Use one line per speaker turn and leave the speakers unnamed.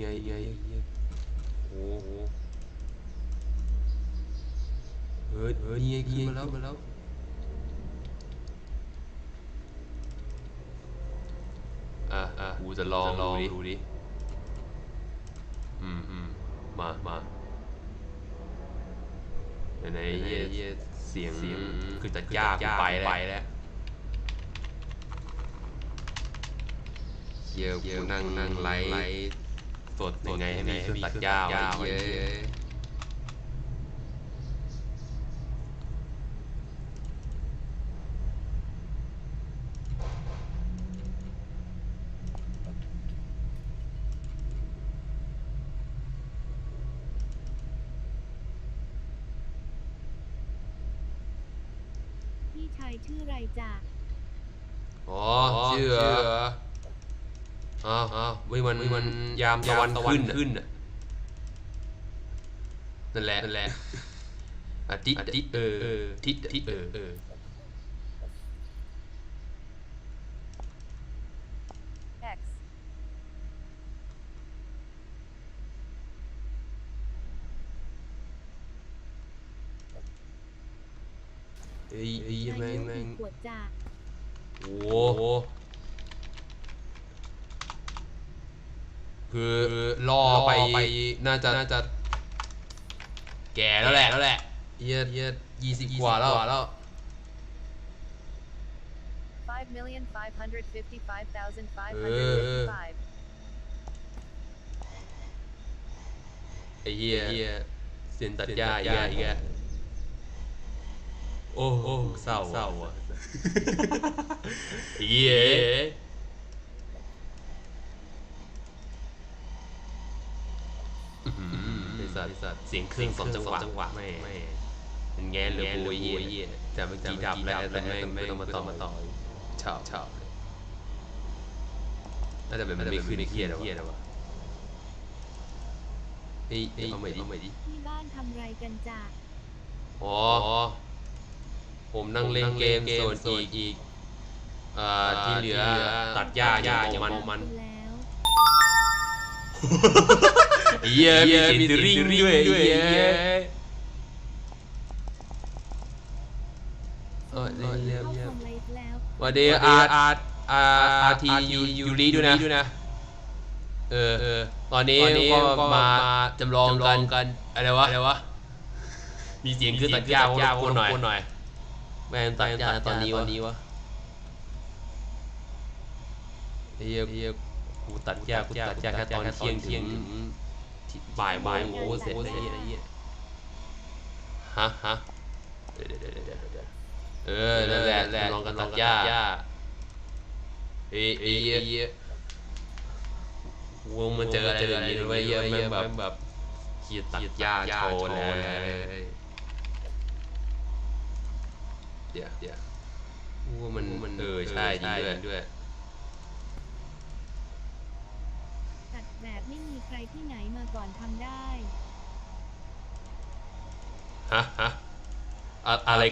ไงโอ้โหนี่ไงขึ้นมาแล้วกูจะลองดูดิมาไหนเสียงคือจะยากไปแล้วเยอะนั่งไลฟ์สดยังไงให้มีเครื่องตัดหญ้าไว้เยอะ
พี่ชายชื่อไรจ๊ะ
ชื่อมันยามตะวันขึ้นนั่นแหละอาทิตย์ทิศ
X
แม่ง
ขวดจ้ะ
โอ้โหคือล่อไปน่าจะแก่แล้วแหละเยีย20 กว่าแล้ว
5,555,555
ไอ้เหี้ยเสียนตัดหญ้าอีกโอ้เศร้าอ่ะไอ้เหี้ยสัตว์เสียงเครื่อง2 จังหวะไม่เป็นแง่เหลือโวยเหี้ยแต่เมื่อกี้ดับแล้วแต่ไม่ต้องมาต่อชอบน่าจะเป็นมันไม่ขึ้นในเครียดหรอวะเอาใหม่ดิ
ที่บ้านทำไรกันจ้ะ
ผมนั่งเล่นเกมส่วนอีกที่เหลือตัดหญ้าอย่างมันเหี้ยมีติริงด้วยเหี้ยเยี่ยมวันนี้อาร์ทียูรีด้วยนะตอนนี้ก็มาจำลองกันอะไรวะมีเสียงคือตัดหญ้าคนหน่อยแม่งตัดหญ้าตอนนี้วะเฮียกูตัดหญ้าแค่ตอนเที่ยงบ่ายโอ้เสร็จเลยไอ้เหี้ยฮะเดี๋ยวนั่นแหละลองกันตัดหญ้าเฮียวงมันเจออะไรแบบนี้ด้วยเยอะแม่งแบบเฮียตัดหญ้าโชว์เลยเดี๋ยวว่ามันใช่ด้วย
ตัดแบบไม่มีใครที่ไหนมาก่อนทำได้
ฮะอะไร